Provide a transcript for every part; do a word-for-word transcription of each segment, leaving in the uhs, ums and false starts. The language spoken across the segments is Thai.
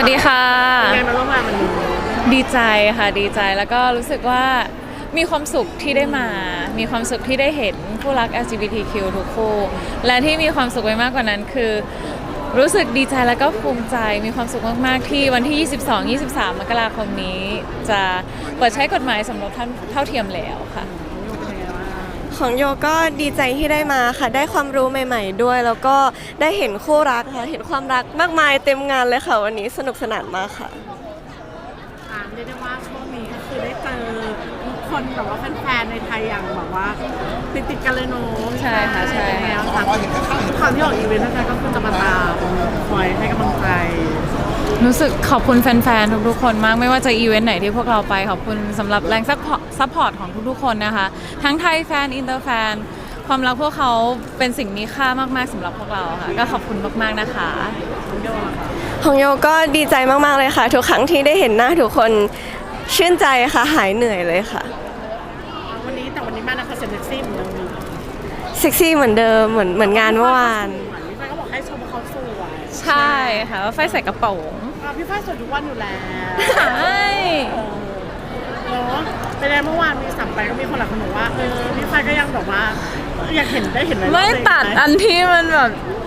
วัสดีค่ะเป็นไงมาร่วมงานวันนี้ดีใจค่ะดีใจแล้วก็รู้สึกว่ามีความสุขที่ได้มา มีความสุขที่ได้เห็นผู้รัก แอล จี บี ที คิว ทุกคู่และที่มีความสุขไปมากกว่านั้นคือรู้สึกดีใจแล้วก็ภูมิใจมีความสุขมากๆที่วันที่ ยี่สิบสอง ยี่สิบสาม มกราคมนี้จะเปิดใช้กฎหมายสมรสเท่าเทียมแล้วค่ะของโยก็ดีใจที่ได้มาค่ะได้ความรู้ใหม่ๆด้วยแล้วก็ได้เห็นคู่รักค่ะเห็นความรักมากมายเต็มงานเลยค่ะวันนี้สนุกสนานมากค่ะอ่าเรียกได้ว่าช่วงนี้ก็คือได้เจอทุกคนแบบว่าแฟนๆในไทยอย่างแบบว่าติดติดกันเลยเนาะใช่ค่ะใช่แล้วค่ะทุกครั้งที่ออกอีเวนต์นะคะก็คือจะมาตามคอยให้กำลังใจรู้สึกขอบคุณแฟนๆทุกๆคนมากไม่ว่าจะอีเวนต์ไหนที่พวกเราไปขอบคุณสำหรับแรงซัพพอร์ตของทุกๆคนนะคะทั้งไทยแฟนอินเตอร์แฟนความรักพวกเขาเป็นสิ่งมีค่ามากๆสำหรับพวกเราค่ะก็ขอบคุณมากๆนะคะของโยก็ดีใจมากๆเลยค่ะทุกครั้งที่ได้เห็นหน้าทุกคนชื่นใจค่ะหายเหนื่อยเลยค่ะวันนี้แต่วันนี้มานะคะเซ็กซี่เหมือนเดิมเซ็กซี่เหมือนเดิมเหมือนเหมือนงานเมื่อวานพี่ฝ้ายก็บอกให้ชมว่าเขาสวยใช่ค่ะว่าไฟใส่กระโปรงพี่ฝ้ายสวยทุกวันอยู่แล้วใช่เนาะเป็นไงเมื่อวานมีสัมไปก็มีคนหลายคนบอกว่าเออพี่ฝ้ายก็ยังแบบว่าอยากเห็นได้เห็นอะไรไม่ตัดอันที่มันแบบ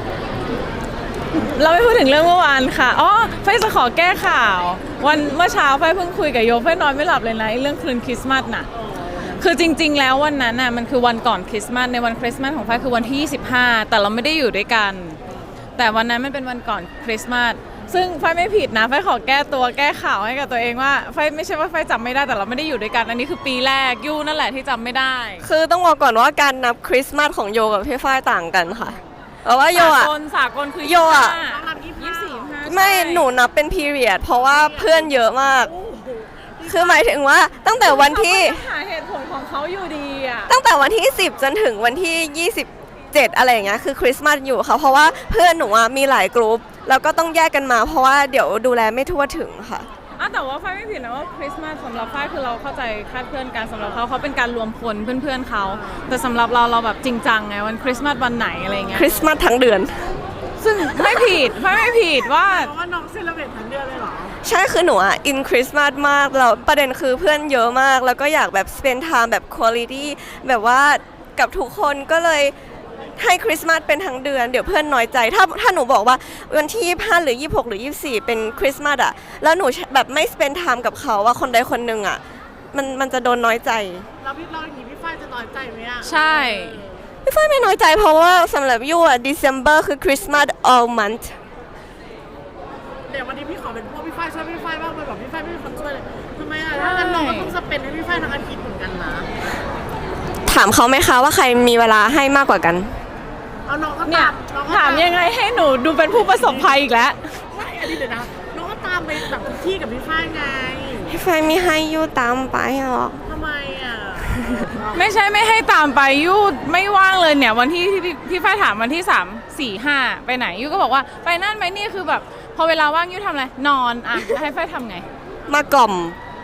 เราไม่พูดถึงเรื่องเมื่อวานค่ะอ๋อไฟจะขอแก้ข่าววันเมื่อเช้าไฟเพิ่งคุยกับโยไฟนอนไม่หลับเลยนะเรื่องคืนคริสต์มาสน่ะคือจริงๆแล้ววันนั้นน่ะมันคือวันก่อนคริสต์มาสในวันคริสต์มาสของไฟคือวันที่ยี่สิบห้าแต่เราไม่ได้อยู่ด้วยกันแต่วันนั้นมันเป็นวันก่อนคริสต์มาสซึ่งไฟไม่ผิดนะไฟขอแก้ตัวแก้ข่าวให้กับตัวเองว่าไฟไม่ใช่ว่าไฟจำไม่ได้แต่เราไม่ได้อยู่ด้วยกันอันนี้คือปีแรกยูนั่นแหละที่จำไม่ได้คือต้องบอกก่อนว่าการนับคริสต์มาสของโยกับพี่ฝ้ายต่างกันค่ะเพราะว่าโยอะสากลสากลคือโยอะยี่สิบสี่ไม่หนูนับเป็นพีเรียดเพราะว่าเพื่อนเยอะมากคือหมายถึงว่าตั้งแต่วันที่หาเหตุผลของเขาอยู่ดีอะตั้งแต่วันที่สิบจนถึงวันที่ยี่สิบเจ็ดอะไรอย่างเงี้ยคือคริสต์มาสอยู่ค่ะเพราะว่าเพื่อนหนูมีหลายกลุ่มแล้วก็ต้องแยกกันมาเพราะว่าเดี๋ยวดูแลไม่ทั่วถึงค่ะอ่ะแต่ว่าฝ้ายไม่ผิดนะว่าคริสต์มาสสำหรับฝ้ายคือเราเข้าใจคาดเคลื่อนกันสำหรับเขาเขาเป็นการรวมพลเพื่อนๆเขาแต่สำหรับเราเราแบบจริงจังไงวันคริสต์มาสวันไหนอะไรเงี้ยคริสต์มาสทั้งเดือนซึ่งไม่ผิดฝ้ายไม่ผิดว่าเพราะว่าน้องเซเลบเรตทั้งเดือนเลยเหรอใช่คือหนูอ่ะอินคริสต์มาสมากแล้วประเด็นคือเพื่อนเยอะมากแล้วก็อยากแบบ spend time แบบ quality แบบว่ากับทุกคนก็เลยให้คริสต์มาสเป็นทั้งเดือนเดี๋ยวเพื่อนน้อยใจถ้าถ้าหนูบอกว่าวันที่ยี่สิบห้าหรือยี่สิบหกหรือยี่สิบสี่เป็นคริสต์มาสอ่ะแล้วหนูแบบไม่ spend time กับเขาว่าคนใดคนหนึ่งอ่ะมันมันจะโดนน้อยใจเราพี่เราอย่างนี้พี่ฝ้ายจะน้อยใจไหมอ่ะใช่พี่ฝ้ายไม่น้อยใจเพราะว่าสำหรับยูอ่ะ December คือคริสต์มาส all month เดี๋ยววันนี้พี่ขอเป็นพวกพี่ฝ้ายช่วยพี่ฝ้ายบ้างไปบอกพี่ฝ้ายไม่มีคนช่วยเลยทำไมอ่ะถ้างั้นน้องก็ต้องสเปนให้พี่ฝ้ายทั้งอาทิตย์เหมือนกันนะถามเขาไหมคะว่าใครมีเวลาให้มากกว่ากันเอาน้องก็เนี่ยถามยังไงให้หนูดูเป็นผู้ประสบภัยอีกแล้วไม่อันนี้เดี๋ยวนะน้องก็ตามไปแบบทุกที่กับพี่ฝ้ายไงพี่ฝ้ายไม่ให้ยูตามไปหรอกทำไมอ่ะไม่ใช่ไม่ให้ตามไปยูไม่ว่างเลยเนี่ยวันที่พี่พี่ฝ้ายถามวันที่สามสี่ห้าไปไหนยูก็บอกว่าไปนั่นไปนี่คือแบบพอเวลาว่างยูทำอะไรนอนอ่ะให้ฝ้ายทำไงมากล่อม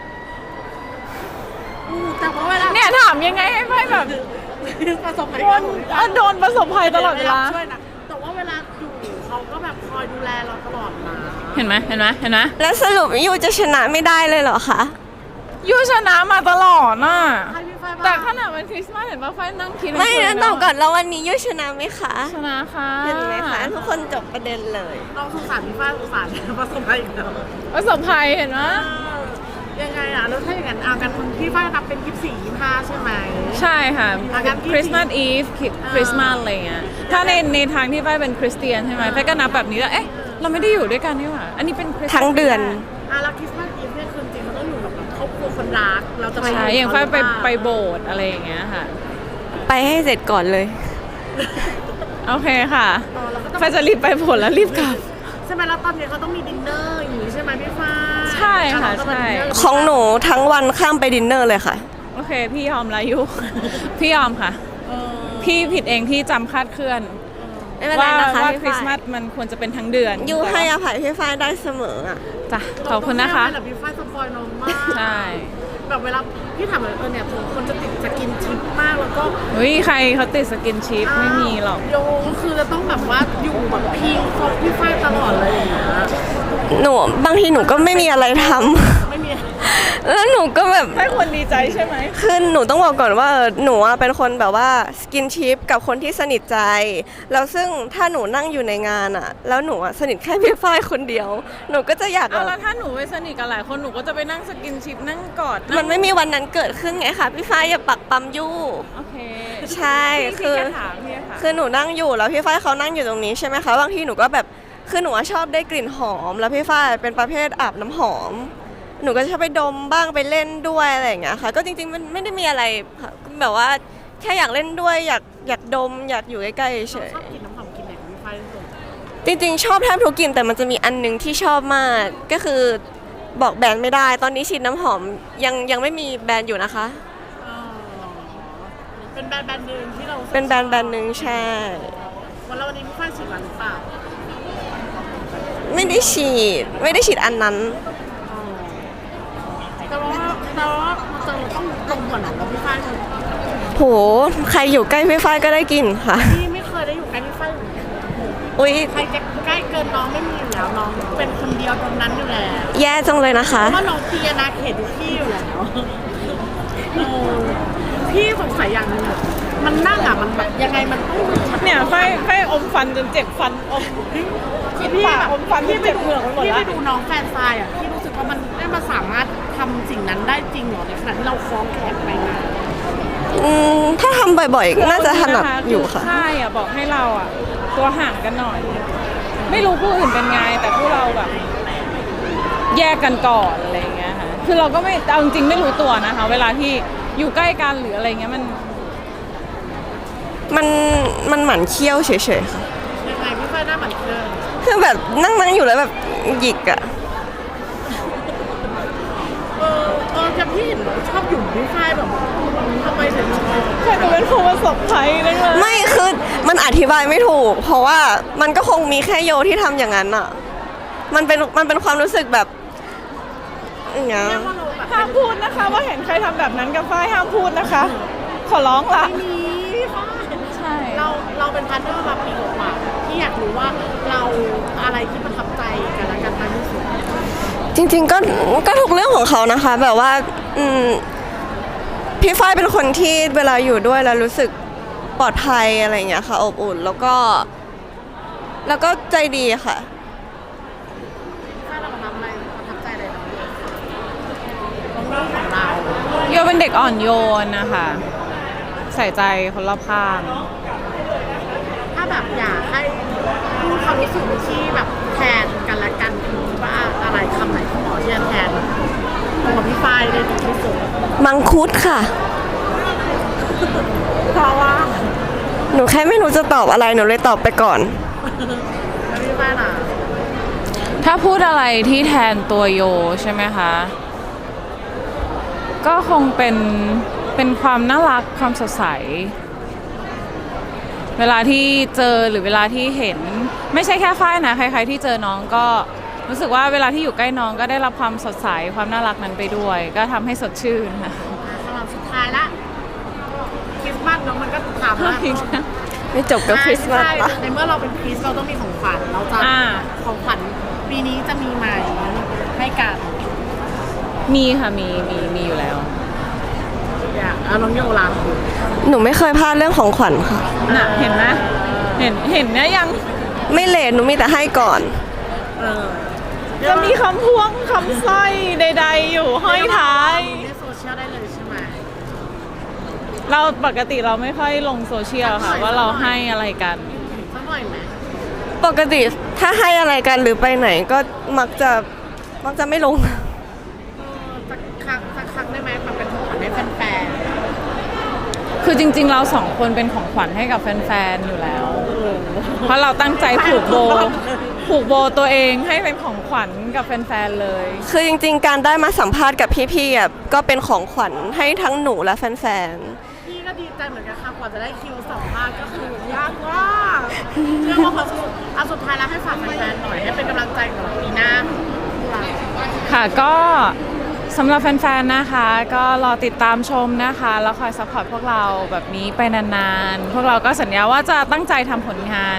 แต่ว่าเวลาเนี่ยถามยังไงให้ฝ้ายแบบประสบภัยโดนประสบภัยตลอดเวลาแต่ว่าเวลาอยู่เขาก็แบบคอยดูแลเราตลอดนะเห็นไหมเห็นไหมเห็นไหมแล้วสรุปยูจะชนะไม่ได้เลยเหรอคะยูชนะมาตลอดน่ะแต่ขนาดวันคริสต์มาสเห็นว่าไฟนั่งคิดไม่นะตอบก่อนแล้ววันนี้ยูชนะไหมคะชนะค่ะเห็นไหมคะทุกคนจบประเด็นเลยน้องสงสารพี่ฝ้ายสงสารประสบภัยอีกแล้วประสบภัยเห็นไหมยังไงอ่ะแล้วถ้าอย่างนั้นเอากันพี่ฝ้ายนับเป็นยี่สิบสี่ยี่สิบห้าใช่ไหมใช่ค่ะคริสต์มาสอีฟคริสต์มาสอะไรเงี้ยถ้าในในทางที่ฝ้ายเป็นคริสเตียนใช่ไหมฝ้ายก็นับแบบนี้แล้วเอ๊ะเราไม่ได้อยู่ด้วยกันนี่หว่าอันนี้เป็นทั้งเดือนอ่ะแล้วคริสต์มาสอีฟเนี่ยคือจริงมันต้องอยู่กับครอบครัวคนรักเราจะไปใช่อย่างฝ้ายไปไปโบสถ์อะไรอย่างเงี้ยค่ะไปให้เสร็จก่อนเลยโอเคค่ะฝ้ายจะรีบไปโบสถ์แล้วรีบกลับใช่ไหมแล้วตอนนี้เขาต้องมีดินเนอร์อย่างนี้ใช่ไหมพี่ฝ้ายใช่ค่ะใช่ของหนูทั้งวันข้ามไปดินเนอร์เลยค่ะโอเคพี่ยอมละยุพี่ยอมค่ะพี่ผิดเองที่จำคาดเคลื่อนว่าว่าคริสต์มาสมันควรจะเป็นทั้งเดือนยูให้อภัยพี่ฝ้ายได้เสมออ่ะจ้ะขอบคุณนะคะแต่พี่ฝ้ายสปอยน้องมากใช่แบบเวลาพี่ถามเลยเออเนี่ยผมคนจะติดสกินชิปมากแล้วก็เฮ้ยใครเขาติดสกินชิปไม่มีหรอกโยคือจะต้องแบบว่าอยู่แบบพิงคบพี่ฝ้ายตลอดเลยอย่างเงี้ยหนูบางทีหนูก็ไม่มีอะไรทำไม่มีแล้วหนูก็แบบให้คนดีใจใช่ไหมคือหนูต้องบอกก่อนว่าเออหนูอะเป็นคนแบบว่าสกินชิปกับคนที่สนิทใจ แล้วซึ่งถ้าหนูนั่งอยู่ในงานอะแล้วหนูอะสนิทแค่พี่ฝ้ายคนเดียว หนูก็จะอยากเอาแบแล้วบถ้าหนูไปสนิทกับหลายคนหนูก็จะไปนั่งสกินชิปนั่งกอดมันไม่มีวันนั้นเกิดขึ้นไงคะพี่ฝ้ายอย่าปักปั๊มยู่โอเคใช่พี่คือแค่ถามพี่แค่ถามคือหนูนั่งอยู่แล้วพี่ฝ้ายเขานั่งอยู่ตรงนี้ใช่ไหมคะบางทีหนูก็แบบคือหนูอะชอบได้กลิ่นหอม แล้วพี่ฝ้ายเป็นประเภทอาบน้ำหอม หนูก็จะชอบไปดมบ้างไปเล่นด้วยอะไรอย่างเงี้ยค่ะ ก็จริงๆมันไม่ได้มีอะไรค่ะแบบว่าแค่อยากเล่นด้วยอยากอยากดมอยากอยู่ใกล้ๆเฉยชอบกินน้ำหอมกินไหนของพี่ฝ้ายที่สุดจริงๆ ชอบแทบทุกกลิ่นแต่มันจะมีอันหนึงที่ชอบมากก็คือบอกแบรนด์ไม่ได้ ตอนนี้ฉีดน้ำหอมยังยังไม่มีแบรนด์อยู่นะคะอ๋อเป็นแบรนด์แบรนด์หนึ่งที่เราเป็นแบรนด์แบรนด์หนึ่งใช่วันแล้ววันนี้พี่ฝ้ายฉีดวันหรือเปล่าไม่ได้ฉีดไม่ได้ฉีดอันนั้นอ๋อแต่ว่าแต่ว่าจะต้องลงหัวหนังกับพี่ฝ้ายเลยโหใครอยู่ใกล้พี่ฝ้ายก็ได้กินค่ะพี่ไม่เคยได้อยู่ใกล้พี่ฝ้ายเลยอุ้ยใครจะใกล้เกินน้องไม่มีอยู่แล้วน้องเป็นคนเดียวตรงนั้นอยู่แล้วแย่จังเลยนะคะเพราะว่าน้องตีอาณาเขตทุกที่อยู่แล้วเออพี่สงสัยอย่างหนึงอะมันนั่งอ่ะมันแบบยังไงมันต้องมันเนี่ยไฟไฟอมฟันจนเจ็บฟันอมคิดพี่ปากแบบอมฟันที่เจ็บเหงือกไปหมดพี่แล้ไปวดูน้องแฟนทรายอ่ะพี่รู้สึกว่ามันได้มาสามารถทำสิ่งนั้นได้จริงเหรอในขณะที่เราคล้องแขนไปมาอืมถ้าทำบ่อยๆ น่าจะถนัดอยู่ค่ะใช่อ่ะบอกให้เราอ่ะ ตัวห่างกันหน่อย ไม่รู้ผู้อื่นเป็นไงแต่ผู้เราแบบ แยกกันก่อนอะไรอย่างเงี้ยค่ะคือเราก็ไม่เอาจริงๆไม่รู้ตัวนะคะ เวลาที่อยู่ใกล้กันหรืออะไรเงี้ยมันมันมันหมั่นเคี้ยวเฉยๆค่ะยังไงพี่ฝ้ายหน้าเหมือนเดิมคือแบบนั่งนั่งอยู่แล้วแบบหยิกอะเออเออจะพี่เห็นชอบหยุ่มพี่ฝ้ายแบบทำไมถึงชอบใช่เป็นผู้ประสบภัยนั่นเลยไม่คือมันอธิบายไม่ถูก เพราะว่ามันก็คงมีแค่โยที่ทำอย่างนั้นอะมันเป็นมันเป็นความรู้สึกแบบอย่างเงี้ยเรียกว่าเราแบบห้ามพูดนะคะ ว่าเห็นใครทำแบบนั้นกับฝ้ายห้ามพูดนะคะ ขอร้องละไม่มีพี่ฝ้ายใช่เราเราเป็นพาร์ทเนอร์มาปีกว่าๆที่อยากรู้ว่าเราอะไรที่ประทับใจกันและกันมากที่สุดจริงๆก็ก็ทุกเรื่องของเขานะคะ แบบว่าอืมพี่ฝ้ายเป็นคนที่เวลาอยู่ด้วยแล้วรู้สึกปลอดภัยอะไรอย่างเงี้ยค่ะอบอุ่นแล้วก็ แล้วก็ใจดีค่ะถ้าเราประทับอะไรประทับใจอะไรเราตรงเรื่องของเราโยเป็นเด็กอ่อนโยนนะคะ ใส่ใจคนรอบข้างถ้าแบบอยากให้พูดความรู้สึกที่แบบแทนกันและกันคือว่าอะไรคำไหนที่หมอที่จะแทนของพี่ฝ้ายได้ดีที่สุดมังคุดค่ะเพราะว่าหนูแค่ไม่รู้จะตอบอะไรหนูเลยตอบไปก่อนแล้วพี่ฝ้ายล่ะถ้าพูดอะไรที่แทนตัวโยใช่ไหมคะ ก็คงเป็นเป็นความน่ารักความสดใส เวลาที่เจอหรือเวลาที่เห็น ไม่ใช่แค่ฝ้ายนะใครๆที่เจอน้องก็รู้สึกว่าเวลาที่อยู่ใกล้น้องก็ได้รับความสดใสความน่ารักนั้นไปด้วย ก็ทำให้สดชื่นค่ะสำหรับสุดท้ายละคริสต์มาสเนาะมันก็ถามว่าไม่จบกับคริสต์มาสใช่ปะในเมื่อเราเป็นคริสต์เราต้องมีของขวัญเราจะอ่าของขวัญปีนี้จะมีไหมให้กันมีค่ะมีมีมีอยู่แล้วอยากเอาน้องโยลางคุณหนูไม่เคยพลาดเรื่องของขวัญค่ะน่ะเห็นไหมเห็นเห็นนะยังไม่เลทหนูมีแต่ให้ก่อนเออจะมีคำพวงคำสร้อยใด ๆ อยู่ห้อยท้ายในโซเชียลได้เลยใช่ไหมเราปกติเราไม่ค่อยลงโซเชียลค่ะว่าเราให้อะไรกันสักหน่อยไหมปกติถ้าให้อะไรกันหรือไปไหนก็มักจะมักจะไม่ลงเออสักครั้งสักครั้งได้ไหมมันเป็นของขวัญให้แฟนคือจริง ๆ เราสองคนเป็นของขวัญให้กับแฟนๆอยู่แล้ว เพราะเราตั้งใจผูกโบผูกโบตัวเองให้เป็นของขวัญกับแฟนๆเลยคือจริงๆ การได้มาสัมภาษณ์กับพี่ๆอ่ะก็เป็นของขวัญให้ทั้งหนูและแฟนๆพี่ก็ดีใจเหมือนกันค่ะกว่าจะได้คิวสัมภาษณ์ก็คือยากมากเรื่องว่าพอสุดเอาสุดท้ายแล้วให้ฝากแฟนๆหน่อยให้เป็นกำลังใจกับปีหน้าของเราค่ะก็สำหรับแฟนๆนะคะ ก็รอติดตามชมนะคะแล้วคอยซัพพอร์ตพวกเราแบบนี้ไปนานๆ พวกเราก็สัญญาว่าจะตั้งใจทำผลงาน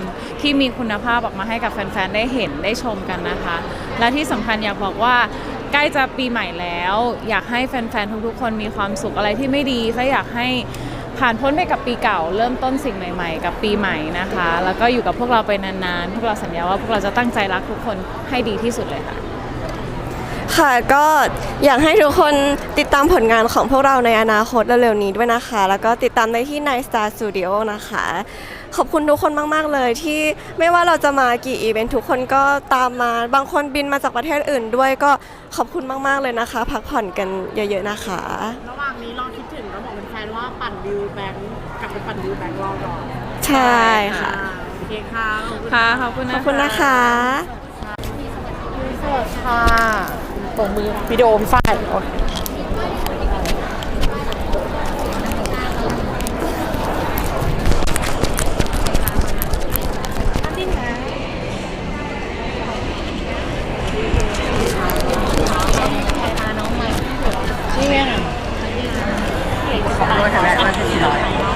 ที่มีคุณภาพออกมาให้กับแฟนๆได้เห็นได้ชมกันนะคะ และที่สำคัญอยากบอกว่าใกล้จะปีใหม่แล้ว อยากให้แฟนๆทุกๆคนมีความสุขอะไรที่ไม่ดีก็อยากให้ผ่านพ้นไปกับปีเก่าเริ่มต้นสิ่งใหม่ๆกับปีใหม่นะคะ แล้วก็อยู่กับพวกเราไปนานๆพวกเราสัญญาว่าพวกเราจะตั้งใจรักทุกคนให้ดีที่สุดเลยค่ะค่ะก็อยากให้ทุกคนติดตามผลงานของพวกเราในอนาคตเร็วๆนี้ด้วยนะคะ แล้วก็ติดตามได้ที่ Night Star Studio นะคะ ขอบคุณทุกคนมากๆเลยที่ไม่ว่าเราจะมากี่อีเวนต์ทุกคนก็ตามมาบางคนบินมาจากประเทศอื่นด้วยก็ขอบคุณมากๆเลยนะคะ พักผ่อนกันเยอะๆนะคะระหว่างนี้ลองคิดถึงแล้วบอกเป็นแฟนว่าปั่นวิวแบงค์กลับไปปั่นวิวแบงค์รอรอใช่ค่ะโอเคค่ะค่ะขอบคุณขนะอบคุณนะคะสวัสดีค่ะตรงมือวิดีโอพี่ฝ้ายโอเคนี่ไงขอบคุณค่ะ